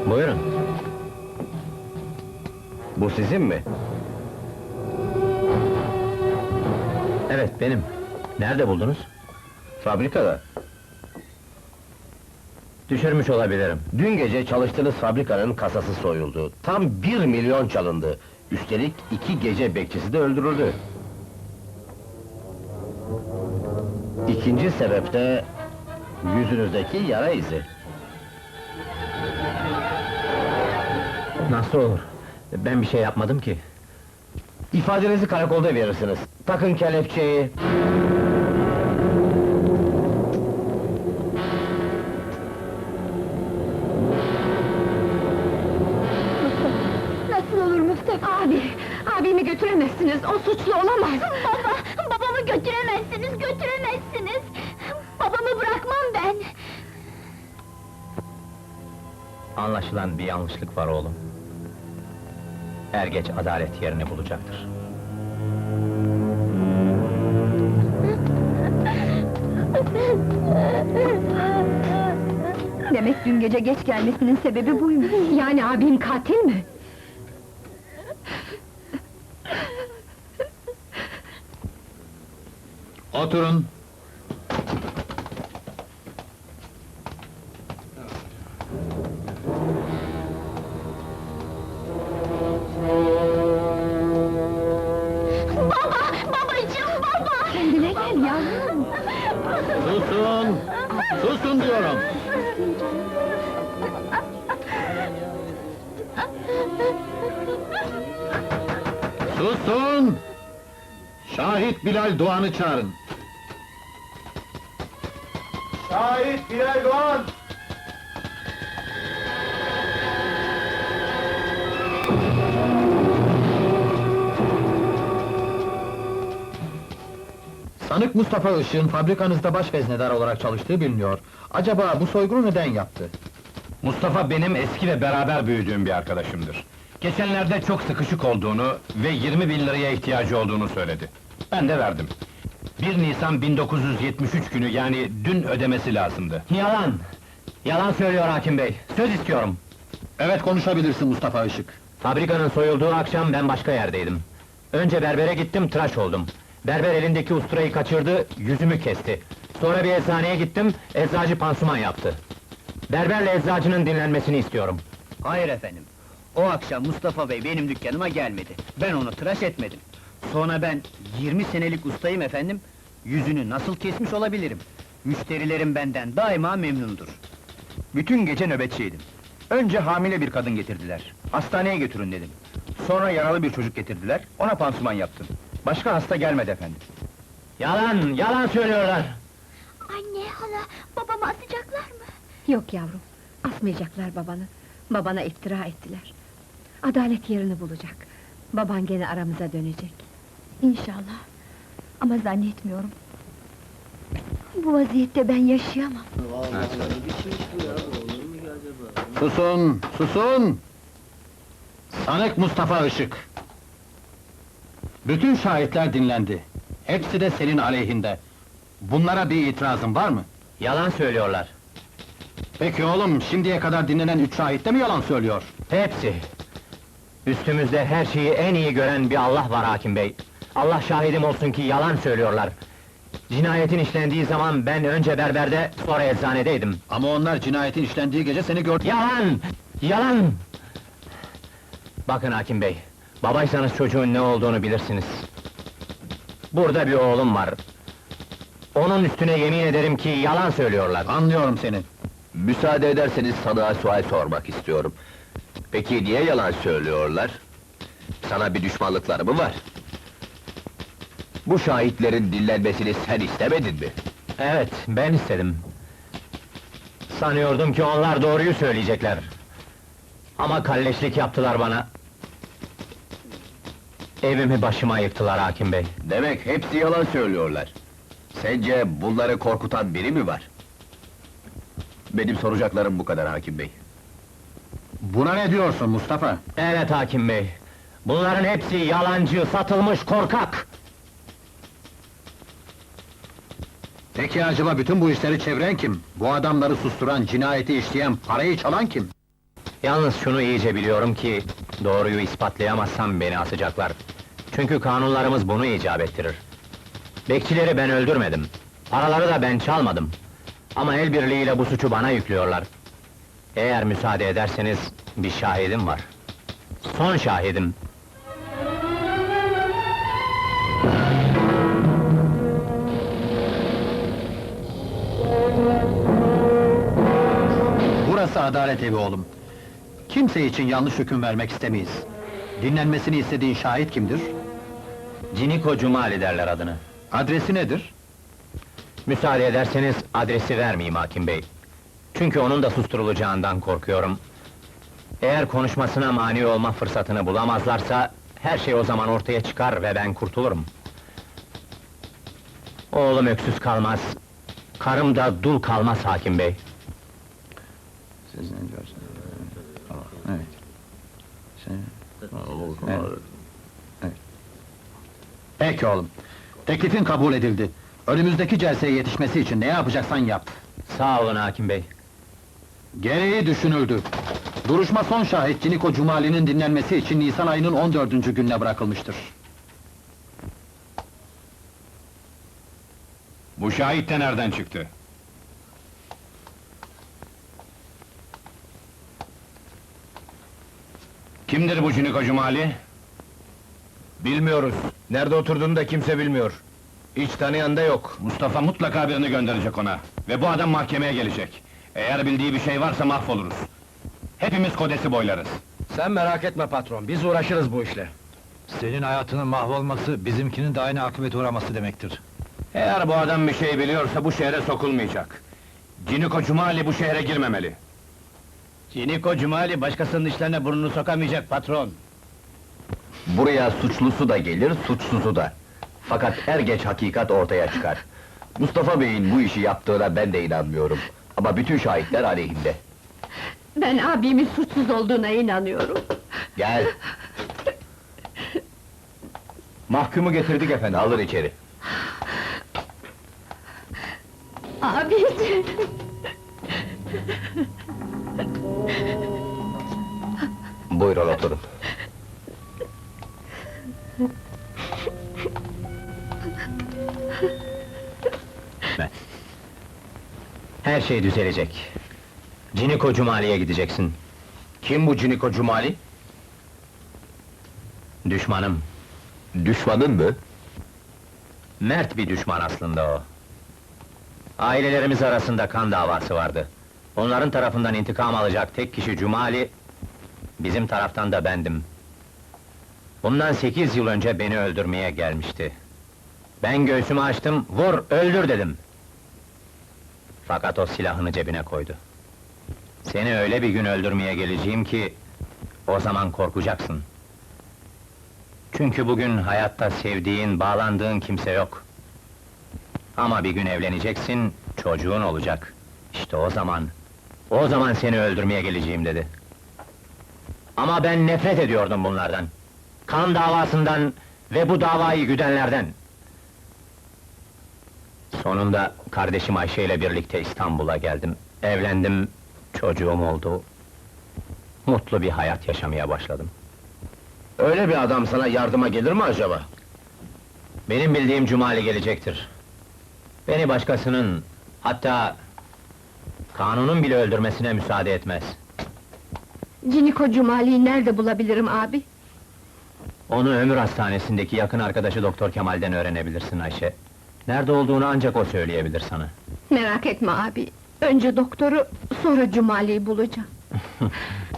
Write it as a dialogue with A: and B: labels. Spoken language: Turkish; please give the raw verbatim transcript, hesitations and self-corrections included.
A: Buyurun.
B: Bu sizin mi?
A: Evet, benim. Nerede buldunuz?
B: Fabrikada.
A: Düşürmüş olabilirim.
B: Dün gece çalıştığınız fabrikanın kasası soyuldu. Tam bir milyon çalındı. Üstelik iki gece bekçisi de öldürüldü. İkinci sebep de yüzünüzdeki yara izi.
A: Nasıl olur? Ben bir şey yapmadım ki.
B: İfadenizi karakolda verirsiniz. Takın kelepçeyi.
C: Nasıl olur Mustafa? Abi, abimi götüremezsiniz, o suçlu olamaz! Baba, babamı götüremezsiniz, götüremezsiniz! Babamı bırakmam ben!
A: Anlaşılan bir yanlışlık var oğlum. Er geç adalet yerini bulacaktır.
C: Demek dün gece geç gelmesinin sebebi buymuş! Yani abim katil mi?
D: Oturun.
C: Baba, babacığım, baba! Kendine gel yavrum!
D: Susun! Susun diyorum! Susun! Şahit Bilal Doğan'ı çağırın. Şahit Bilal Doğan! Sanık Mustafa Işık'ın fabrikanızda baş veznedar olarak çalıştığı biliniyor. Acaba bu soygunu neden yaptı?
E: Mustafa benim eski ve beraber büyüdüğüm bir arkadaşımdır. Geçenlerde çok sıkışık olduğunu ve yirmi bin liraya ihtiyacı olduğunu söyledi. Ben de verdim. bir Nisan bin dokuz yüz yetmiş üç günü, yani dün ödemesi lazımdı.
A: Yalan! Yalan söylüyor hakim bey, söz istiyorum!
D: Evet, konuşabilirsin Mustafa Işık.
A: Fabrikanın soyulduğu akşam ben başka yerdeydim. Önce berbere gittim, tıraş oldum. Berber elindeki usturayı kaçırdı, yüzümü kesti. Sonra bir eczaneye gittim, eczacı pansuman yaptı. Berberle eczacının dinlenmesini istiyorum.
F: Hayır efendim. O akşam Mustafa Bey benim dükkanıma gelmedi. Ben onu tıraş etmedim. Sonra ben yirmi senelik ustayım efendim. Yüzünü nasıl kesmiş olabilirim? Müşterilerim benden daima memnundur. Bütün gece nöbetçiydim. Önce hamile bir kadın getirdiler. Hastaneye götürün dedim. Sonra yaralı bir çocuk getirdiler. Ona pansuman yaptım. Başka hasta gelmedi efendim.
A: Yalan, yalan söylüyorlar!
C: Anne, hala, babamı asacaklar mı? Yok yavrum, asmayacaklar babanı. Babana iftira ettiler. Adalet yerini bulacak. Baban gene aramıza dönecek. İnşallah. Ama zannetmiyorum. Bu vaziyette ben yaşayamam.
D: Susun, susun! Sanık Mustafa Işık! Bütün şahitler dinlendi. Hepsi de senin aleyhinde. Bunlara bir itirazın var mı?
A: Yalan söylüyorlar!
D: Peki oğlum, şimdiye kadar dinlenen üç şahit de mi yalan söylüyor?
A: Hepsi! Üstümüzde her şeyi en iyi gören bir Allah var hakim bey! Allah şahidim olsun ki yalan söylüyorlar! Cinayetin işlendiği zaman ben önce berberde, sonra eczanedeydim.
D: Ama onlar cinayetin işlendiği gece seni gördü.
A: Yalan! Yalan! Bakın hakim bey, babaysanız çocuğun ne olduğunu bilirsiniz. Burada bir oğlum var. Onun üstüne yemin ederim ki yalan söylüyorlar.
D: Anlıyorum seni.
B: Müsaade ederseniz sana sual sormak istiyorum. Peki niye yalan söylüyorlar? Sana bir düşmanlıkları mı var? Bu şahitlerin dinlenmesini sen istemedin mi?
A: Evet, ben istedim. Sanıyordum ki onlar doğruyu söyleyecekler. Ama kalleşlik yaptılar bana. Evimi başıma yıktılar hakim bey.
B: Demek hepsi yalan söylüyorlar. Sence bunları korkutan biri mi var? Benim soracaklarım bu kadar hakim bey.
D: Buna ne diyorsun Mustafa?
A: Evet hakim bey. Bunların hepsi yalancı, satılmış korkak!
D: Peki acaba bütün bu işleri çeviren kim? Bu adamları susturan, cinayeti işleyen, parayı çalan kim?
A: Yalnız şunu iyice biliyorum ki, doğruyu ispatlayamazsam beni asacaklar. Çünkü kanunlarımız bunu icap ettirir. Bekçileri ben öldürmedim, paraları da ben çalmadım. Ama el birliğiyle bu suçu bana yüklüyorlar. Eğer müsaade ederseniz, bir şahidim var. Son şahidim.
D: Burası adalet evi oğlum. Kimse için yanlış hüküm vermek istemeyiz. Dinlenmesini istediğin şahit kimdir?
A: Ciniko Cumali derler adını.
D: Adresi nedir?
A: Müsaade ederseniz adresi vermeyeyim hakim bey. Çünkü onun da susturulacağından korkuyorum. Eğer konuşmasına mani olma fırsatını bulamazlarsa, her şey o zaman ortaya çıkar ve ben kurtulurum. Oğlum öksüz kalmaz, karım da dul kalmaz hakim bey.
D: Peki oğlum. Teklifin kabul edildi. Önümüzdeki celseye yetişmesi için ne yapacaksan yap.
A: Sağ olun hakim bey.
D: Gereği düşünüldü. Duruşma son şahit Ciniko Cumali'nin dinlenmesi için Nisan ayının on dördüncü gününe bırakılmıştır.
E: Bu şahit de nereden çıktı? Kimdir bu Ciniko Cumali?
B: Bilmiyoruz. Nerede oturduğunu da kimse bilmiyor. Hiç tanıyan da yok.
E: Mustafa mutlaka birini gönderecek ona. Ve bu adam mahkemeye gelecek. Eğer bildiği bir şey varsa mahvoluruz. Hepimiz kodesi boylarız.
B: Sen merak etme patron, biz uğraşırız bu işle.
D: Senin hayatının mahvolması, bizimkinin de aynı akıbete uğraması demektir.
E: Eğer bu adam bir şey biliyorsa bu şehre sokulmayacak. Ciniko Cumali bu şehre girmemeli.
F: Ciniko Cumali başkasının işlerine burnunu sokamayacak patron.
B: Buraya suçlusu da gelir, suçsuzu da. Fakat er geç hakikat ortaya çıkar. Mustafa Bey'in bu işi yaptığına ben de inanmıyorum. Ama bütün şahitler aleyhinde.
C: Ben abimin suçsuz olduğuna inanıyorum.
B: Gel! Mahkumu getirdik efendim, alın içeri.
C: Abiciğim!
B: Buyurun oturun.
A: Her şey düzelecek. Ciniko Cumali'ye gideceksin.
B: Kim bu Ciniko Cumali?
A: Düşmanım.
B: Düşmanın mı?
A: Mert bir düşman aslında o. Ailelerimiz arasında kan davası vardı. Onların tarafından intikam alacak tek kişi Cumali, bizim taraftan da bendim. Bundan sekiz yıl önce beni öldürmeye gelmişti. Ben göğsümü açtım, vur, öldür dedim. Fakat o silahını cebine koydu. Seni öyle bir gün öldürmeye geleceğim ki, o zaman korkacaksın. Çünkü bugün hayatta sevdiğin, bağlandığın kimse yok. Ama bir gün evleneceksin, çocuğun olacak. İşte o zaman, o zaman seni öldürmeye geleceğim dedi. Ama ben nefret ediyordum bunlardan. Kan davasından ve bu davayı güdenlerden. Sonunda kardeşim Ayşe ile birlikte İstanbul'a geldim. Evlendim, çocuğum oldu. Mutlu bir hayat yaşamaya başladım.
B: Öyle bir adam sana yardıma gelir mi acaba?
A: Benim bildiğim Cumali gelecektir. Beni başkasının, hatta kanunun bile öldürmesine müsaade etmez.
C: Ciniko Cumali'yi nerede bulabilirim abi?
A: Onu ömür hastanesindeki yakın arkadaşı Doktor Kemal'den öğrenebilirsin Ayşe. Nerede olduğunu ancak o söyleyebilir sana.
C: Merak etme abi. Önce doktoru, sonra Cumali'yi bulacağım.